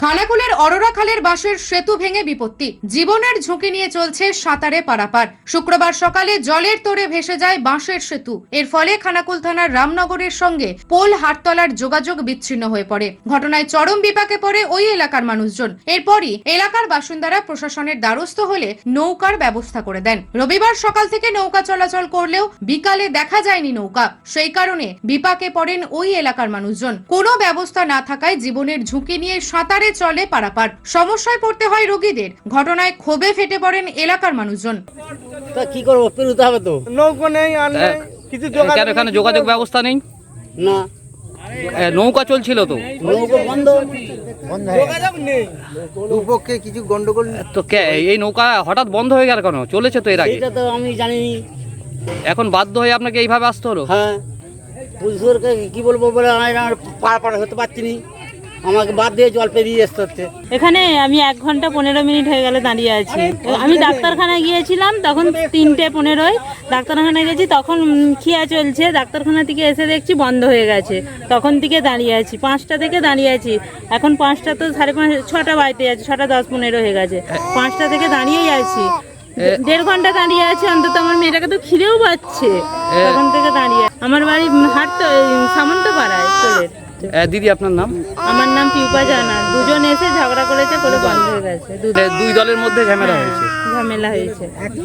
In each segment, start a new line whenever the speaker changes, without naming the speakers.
খানাকুলের অরোরা খালের বাঁশের সেতু ভেঙে বিপত্তি, জীবনের ঝুঁকি নিয়ে চলছে সাঁতারে পারাপার। শুক্রবার সকালে জলের তোড়ে ভেসে যায় বাঁশের সেতু। এর ফলে খানাকুল থানার রামনগরের সঙ্গে পোল হাটতলার যোগাযোগ বিচ্ছিন্ন হয়ে পড়ে। ঘটনায় চরম বিপাকে পড়ে ওই এলাকার মানুষজন। এরপরই এলাকার বাসিন্দারা প্রশাসনের দ্বারস্থ হলে নৌকার ব্যবস্থা করে দেন। রবিবার সকাল থেকে নৌকা চলাচল করলেও বিকালে দেখা যায়নি নৌকা। সেই কারণে বিপাকে পড়েন ওই এলাকার মানুষজন। কোনো ব্যবস্থা না থাকায় জীবনের ঝুঁকি নিয়ে সাঁতারে চলে পারাপার। সমস্যায় পড়তে হয় রোগীদের। ঘটনায় ক্ষোভে ফেটে পড়েন এলাকার মানুষজন।
তা কি করবো, পেরোতে হবে তো।
নৌকো নেই, আর নেই কিছু
এখানে যোগাযোগ ব্যবস্থা নেই
না,
নৌকা চলছিল তো,
নৌকো বন্ধ
যোগাযোগ নেই,
দুপক্ষে কিছু গন্ডগোল।
তো এই নৌকা হঠাৎ বন্ধ হয়ে গেল কেন? চলেছে তো এর আগে।
এটা তো আমি জানিনি।
এখন বাধ্য হয়ে আপনাকে এইভাবে আসতে হলো?
হ্যাঁ, পুলিশকে কি বলবো বলে আমার পার হতে পারছি নি, আমাকে বাদ দিয়ে জল পেরিয়ে আসতে হচ্ছে।
এখানে আমি 1 ঘন্টা 15 মিনিট হয়ে গেলে দাঁড়িয়ে আছি। আমি ডাক্তারখানায় গিয়েছিলাম, তখন 3:15 ডাক্তারখানায় গেছি, তখন খিয়া চলছে। ডাক্তারখানা থেকে এসে দেখছি বন্ধ হয়ে গেছে, তখন থেকে দাঁড়িয়ে আছি। 5টা থেকে দাঁড়িয়ে আছি, এখন 5টা তো 5:30, 6টা বাজতে যাচ্ছে, 6টা 10-15 হয়ে গেছে। 5টা থেকে দাঁড়িয়েই আছি, 1.5 ঘন্টা দাঁড়িয়ে আছি। অন্তত আমার মেয়েটাকে তো খিদেও পাচ্ছে, তখন থেকে দাঁড়িয়ে। আমার বাড়ি সামন্তপাড়ায় কোলের।
দিদি, আপনার নাম?
আমার নাম পিউপা জানা। দুজন এসে ঝগড়া করেছে, করে বন্ধ হয়ে গেছে।
দুই দলের মধ্যে ঝামেলা হয়েছে।
ঝামেলা হয়েছে।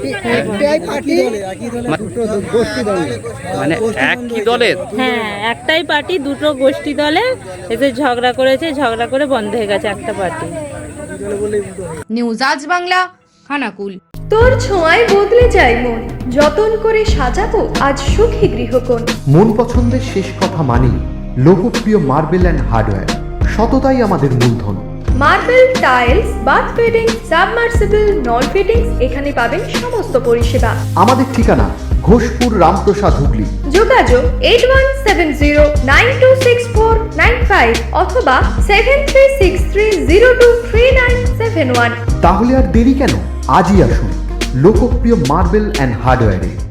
মানে একই দলের?
হ্যাঁ, একটাই পার্টি, দুটো গোষ্ঠী দলে এসে ঝগড়া করেছে। ঝগড়া করে বন্ধ হয়ে গেছে একটা পার্টি।
নিউজ আজ বাংলা, খানাকুল।
তোর ছোঁয়ায় বদলে যায় মন, যতন করে সাজাবো আজ সুখী গৃহকোণ।
মন পছন্দের শেষ কথা মানি লোকপ্রিয় মার্বেল অ্যান্ড হার্ডওয়্যার, সততাই আমাদের মূলধন।
Marble, tiles, bath fittings, submersible, নল ফিটিংস, এখানে পাবেন সমস্ত পরিষেবা।
আমাদের ঠিকানা ঘোষপুর, রামপ্রসাদ, হুগলি।
যোগাযোগ 8170926495 অথবা 7363023971।
তাহলে আর দেরি কেন? আজই আসুন লোকপ্রিয় মার্বেল অ্যান্ড হার্ডওয়্যারে।